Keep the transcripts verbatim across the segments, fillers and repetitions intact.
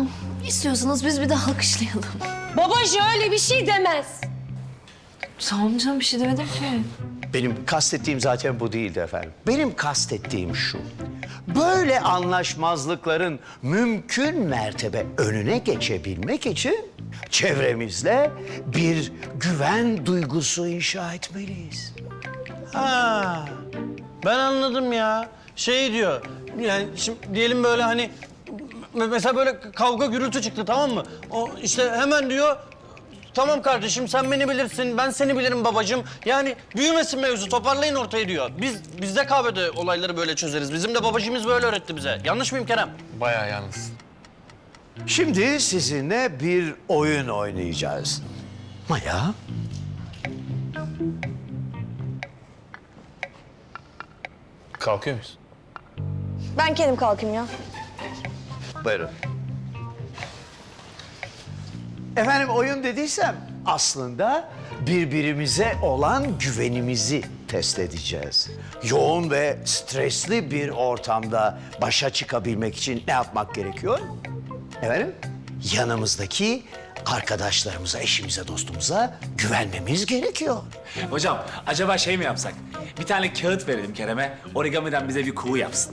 alkışlayalım. İstiyorsanız biz bir de alkışlayalım. Babacığım öyle bir şey demez. Tamam canım, bir şey demedim ki. Benim kastettiğim zaten bu değildi efendim. Benim kastettiğim şu. Böyle anlaşmazlıkların mümkün mertebe önüne geçebilmek için çevremizle bir güven duygusu inşa etmeliyiz. Ha, ben anladım ya. Şey diyor, yani şimdi diyelim böyle hani... me- Mesela böyle kavga gürültü çıktı, tamam mı? O işte hemen diyor... Tamam kardeşim, sen beni bilirsin, ben seni bilirim babacığım. Yani büyümesin mevzu, toparlayın ortayı diyor. Biz, biz de kahvede olayları böyle çözeriz. Bizim de babacığımız böyle öğretti bize. Yanlış mıyım Kerem? Bayağı yalnız. Şimdi sizinle bir oyun oynayacağız. Maya, Kalkıyor muyuz? Ben kendim kalkayım ya. buyurun. Efendim oyun dediysem aslında birbirimize olan güvenimizi test edeceğiz. Yoğun ve stresli bir ortamda başa çıkabilmek için ne yapmak gerekiyor? Efendim, yanımızdaki arkadaşlarımıza, eşimize, dostumuza güvenmemiz gerekiyor. Hocam acaba şey mi yapsak? Bir tane kağıt verelim Kerem'e. Origamiden bize bir kuğu yapsın.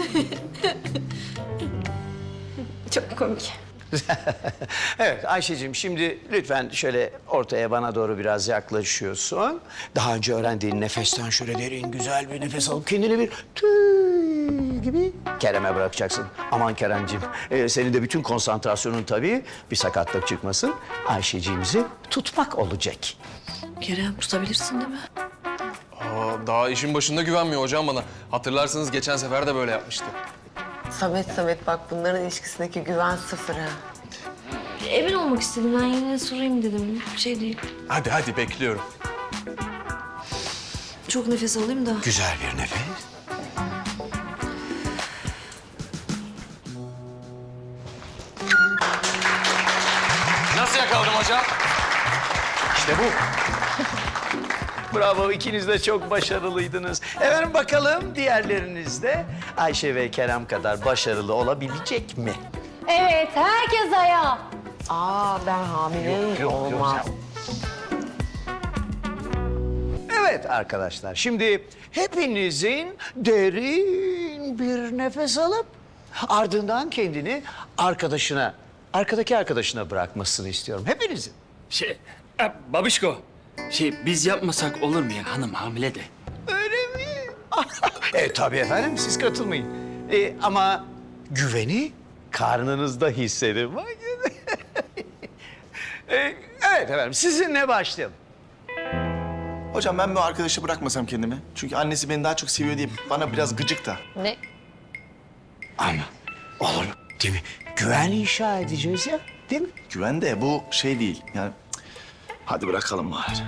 Çok komik. Evet Ayşe'cim, şimdi lütfen şöyle ortaya bana doğru biraz yaklaşıyorsun. Daha önce öğrendiğin nefesten şöyle derin güzel bir nefes alıp kendini bir tüy gibi Kerem'e bırakacaksın. Aman Kerem'cim, e, senin de bütün konsantrasyonun tabii bir sakatlık çıkmasın. Ayşe'ciğimizi tutmak olacak. Kerem, tutabilirsin değil mi? Aa, daha işin başında güvenmiyor hocam bana. Hatırlarsanız geçen sefer de böyle yapmıştı. Samet Samet bak bunların ilişkisindeki güven sıfır ha. Emin olmak istedim, ben yine sorayım dedim. Bir şey değil. Hadi hadi bekliyorum. Çok nefes alayım da. Güzel bir nefes. Nasıl yakaladım hocam? İşte bu. Bravo, ikiniz de çok başarılıydınız. Efendim bakalım diğerleriniz de Ayşe ve Kerem kadar başarılı olabilecek mi? Evet, herkes ayağa. Aa ben hamileyim olmaz. Evet arkadaşlar, şimdi hepinizin derin bir nefes alıp ardından kendini arkadaşına, arkadaki arkadaşına bırakmasını istiyorum. Hepinizin. Şey, e, babişko. Şey, biz yapmasak olur mu ya? Hanım hamile de. Öyle mi? Evet tabii efendim, siz katılmayın. Ee, ama güveni karnınızda hissedin. Bak. Ee, evet efendim, sizinle başlayalım. Hocam ben bu arkadaşı bırakmasam kendimi. Çünkü annesi beni daha çok seviyor diye bana biraz gıcık da. Ne? Ama olur değil mi? Güven inşa edeceğiz ya, değil mi? Güven de bu şey değil. Yani cık, hadi bırakalım bari.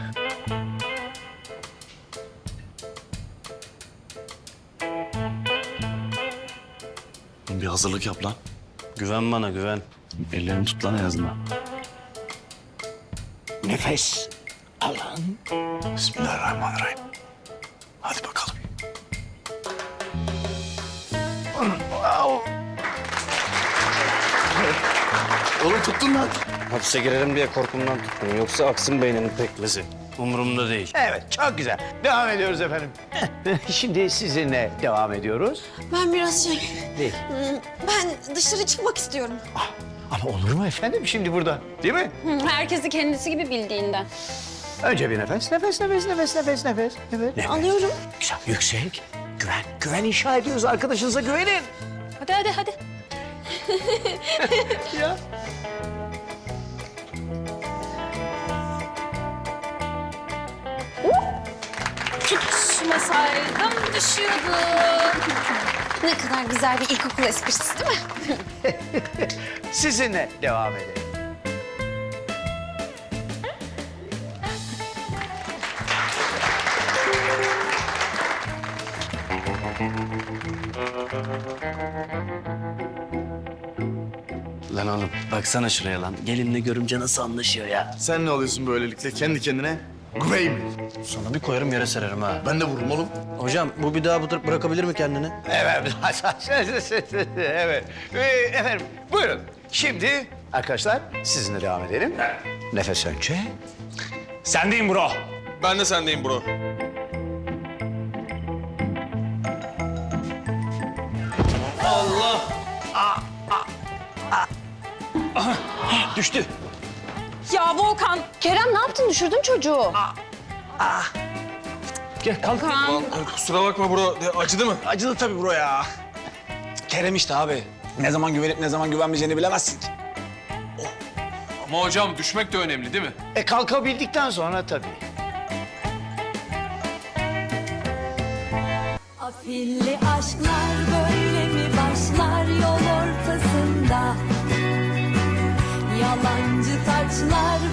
Bir hazırlık yap lan. Güven bana, güven. Ellerini tut lan en azından. Nefes alın. Bismillahirrahmanirrahim. Hadi bakalım. Oğlum tuttun lan. Hapse girerim diye korkumdan tuttum. Yoksa aksın beynimin pekmezi. Umurumda değil. Evet, çok güzel. Devam ediyoruz efendim. Şimdi sizinle devam ediyoruz. Ben biraz şey... Değil. Ben dışarı çıkmak istiyorum. Ama olur mu efendim şimdi burada, değil mi? Herkesi kendisi gibi bildiğinden. Önce bir nefes, nefes, nefes, nefes, nefes, nefes. Evet. Nefes. Alıyorum. Güzel, yüksek. Güven, güven inşa ediyoruz. Arkadaşınıza güvenin. Hadi hadi hadi. Ya. Tutmasaydım düşüyordum. Ne kadar güzel bir ilkokul esprisi değil mi? Sizinle devam edelim. Lan oğlum baksana şuraya lan. Gelinle görümce nasıl anlaşıyor ya? Sen ne oluyorsun böylelikle kendi kendine? Güvey mi? Sana bir koyarım yere sererim ha. Ben de vururum oğlum. Hocam bu bir daha bırak- bırakabilir mi kendini? Evet. evet. Ee, efendim, buyurun. Şimdi arkadaşlar sizinle devam edelim. Nefes önce. Sendeyim bro. Ben de sendeyim bro. Düştü. Ya Volkan. Kerem ne yaptın? Düşürdün çocuğu. Gel kalk. Lan, kusura bakma bro. De, acıdı mı? Acıdı tabii bro ya. Kerem işte abi. Ne zaman güvenip ne zaman güvenmeyeceğini bilemezsin ki. Ama hocam düşmek de önemli değil mi? E kalkabildikten sonra tabii. Afilli aşklar böyle mi başlar yol ortasında? Yalancı taçlar